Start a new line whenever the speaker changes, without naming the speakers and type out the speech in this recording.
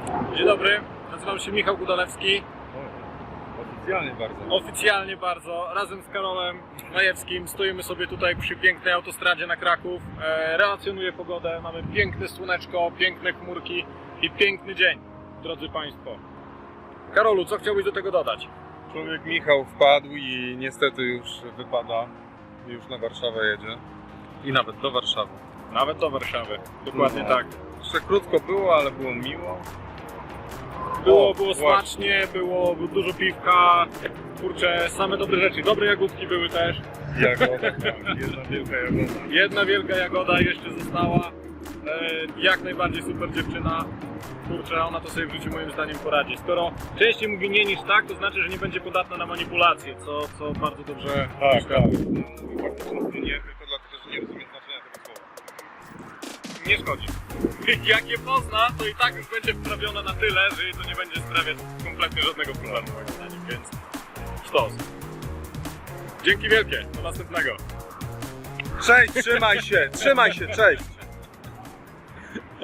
Dzień dobry, nazywam się Michał Gudalewski.
Oficjalnie bardzo.
Oficjalnie bardzo, razem z Karolem Majewskim stoimy sobie tutaj przy pięknej autostradzie na Kraków. Relacjonuję pogodę, mamy piękne słoneczko, piękne chmurki i piękny dzień, drodzy Państwo. Karolu, co chciałbyś do tego dodać?
Człowiek Michał wpadł i niestety już wypada. Już na Warszawę jedzie. I nawet do Warszawy.
Nawet do Warszawy, dokładnie
No.
tak.
Jeszcze krótko było, ale było miło.
Było
właśnie.
smacznie, było dużo piwka, kurczę, same dobre rzeczy. Dobre jagódki były też.
Jagoda, jedna wielka jagoda.
Jedna wielka jagoda jeszcze została. Jak najbardziej super dziewczyna. Kurczę, ona to sobie w życiu moim zdaniem poradzi. Skoro częściej mówi nie niż tak, to znaczy, że nie będzie podatna na manipulacje, co bardzo dobrze
Tak,
mieszka.
tak. Faktycznie nie, tylko dlatego, że nie rozumiem znaczenia tego słowa.
Nie szkodzi. Jak je pozna, to i tak już będzie wprawiona na tyle, że jej to nie będzie sprawiać kompletnie żadnego problemu moim zdaniem, więc sztos. Dzięki wielkie, do następnego.
Cześć, trzymaj się, cześć!